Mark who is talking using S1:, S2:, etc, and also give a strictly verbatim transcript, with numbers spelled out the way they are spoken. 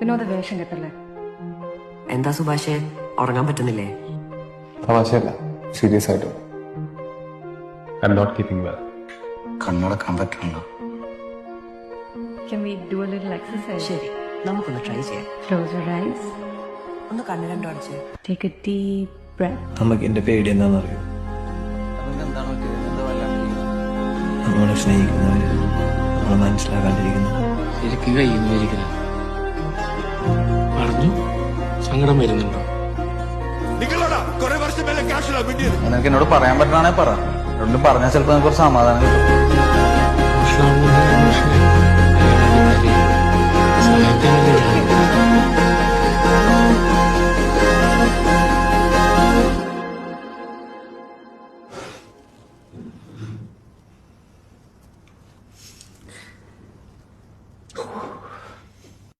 S1: വിനോദ വേഷം കെട്ടല്ലേ?
S2: എന്താ സുഭാഷേ, ഉറങ്ങാൻ പറ്റുന്നില്ലേ?
S3: തമാശയല്ല, സീരിയസ് ആയിട്ട്. I am not keeping well.
S4: കണ്ണടക്കാൻ പറ്റണല്ലോ.
S1: Can we do a little exercise?
S2: ശരി, നമുക്കൊന്ന് ട്രൈ ചെയ്യാം.
S1: Close your eyes.
S2: ഒന്ന് കണ്ണ് രണ്ടു അടച്ച്.
S1: Take a deep breath.
S5: നമുക്ക് എന്റെ പേടി എന്താണെന്നറിയോ? നമ്മളെ സ്നേഹിക്കുന്നവര് നമ്മളെ മനസ്സിലാക്കാണ്ടിരിക്കുന്നത്.
S6: ശരിക്കും കഴിയുന്നു ഒരിക്കലും പറഞ്ഞു. സങ്കടം വരുന്നുണ്ടോ?
S4: നിനക്ക് എന്നോട് പറയാൻ പറ്റണേ പറ. പറഞ്ഞാൽ ചിലപ്പോൾ കുറച്ച് സമാധാനം കിട്ടും.